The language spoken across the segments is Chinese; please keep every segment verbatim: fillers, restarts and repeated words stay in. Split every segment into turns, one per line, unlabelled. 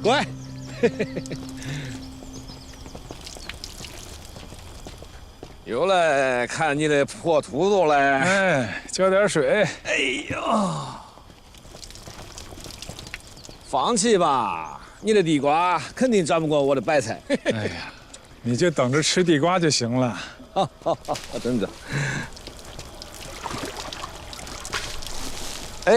乖。又来看你的破秃头嘞！
哎，浇点水。
哎呦，放弃吧，你的地瓜肯定长不过我的白菜。
哎呀，你就等着吃地瓜就行了。
好好好，等着。哎，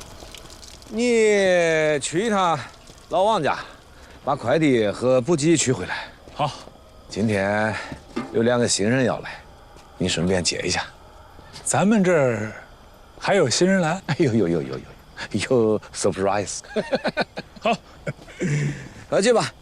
你去一趟老王家，把快递和补给取回来。
好，
今天有两个新人要来，你顺便接一下。
咱们这儿还有新人来？
哎呦呦呦呦呦，有 surprise。
好，
快去吧。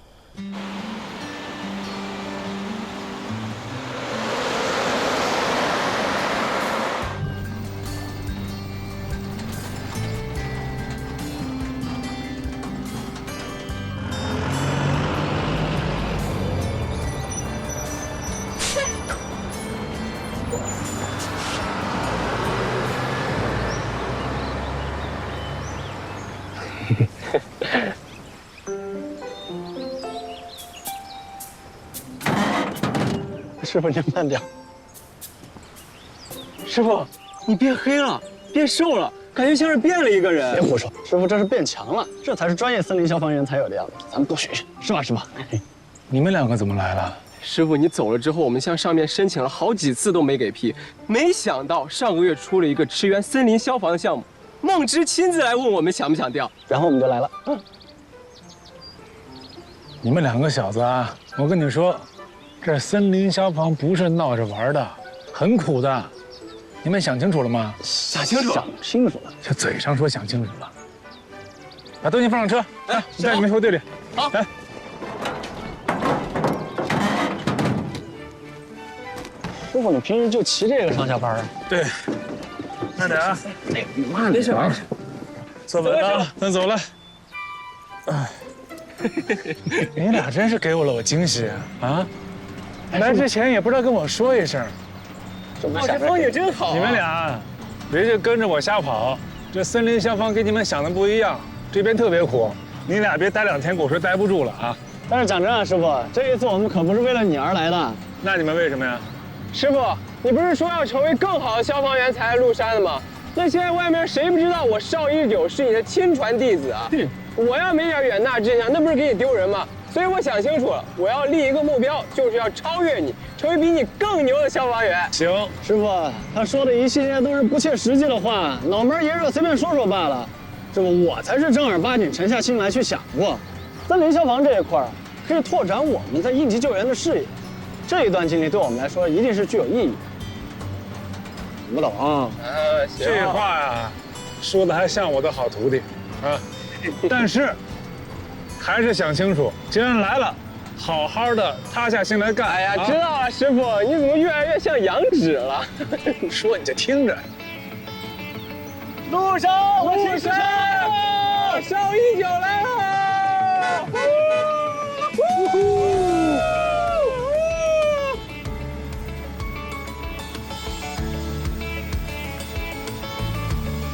师傅，您慢点。师傅，你变黑了，变瘦了，感觉像是变了一个人。别胡说，师傅这是变强了，这才是专业森林消防员才有的样子。咱们多学学，是吧，师傅？
你们两个怎么来了？
师傅，你走了之后，我们向上面申请了好几次都没给批，没想到上个月出了一个驰援森林消防的项目，梦之亲自来问我们想不想调，
然后我们就来了。嗯，
你们两个小子啊，我跟你说，这森林消防不是闹着玩的，很苦的。你们想清楚了吗？
想清楚，
想清楚了。
就嘴上说想清楚了。把东西放上车，来，我带你们回队里。
好，
来。
师傅，你平时就骑这个上下班啊？
对，慢点啊。
哎，慢点。没事没事。
坐稳了，咱走了。哎，你俩真是给我了我惊喜啊！啊，来之前也不知道跟我说一声。
哦，这风景真好。
你们俩别就跟着我瞎跑，这森林消防跟你们想的不一样，这边特别苦。你俩别待两天，我说待不住了啊。
但是讲真啊，师傅，这一次我们可不是为了你而来的。
那你们为什么呀？
师傅，你不是说要成为更好的消防员才来入山的吗？那现在外面谁不知道我邵一九是你的亲传弟子啊？我要没点远大志向，那不是给你丢人吗？所以我想清楚了，我要立一个目标，就是要超越你，成为比你更牛的消防员。
行，
师傅，他说的一系列都是不切实际的话，脑门炎热随便说说罢了。师傅，我才是正儿八经沉下心来去想过，森林消防这一块可以拓展我们在应急救援的视野。这一段经历对我们来说一定是具有意义的。懂不懂啊？
呃，
这话呀，说的还像我的好徒弟啊。但是，还是想清楚，既然来了，好好的塌下心来干。
哎呀，
啊、
知道了，师傅，你怎么越来越像杨芷了？
说你就听着。
路上，我是谁？邵一九来了。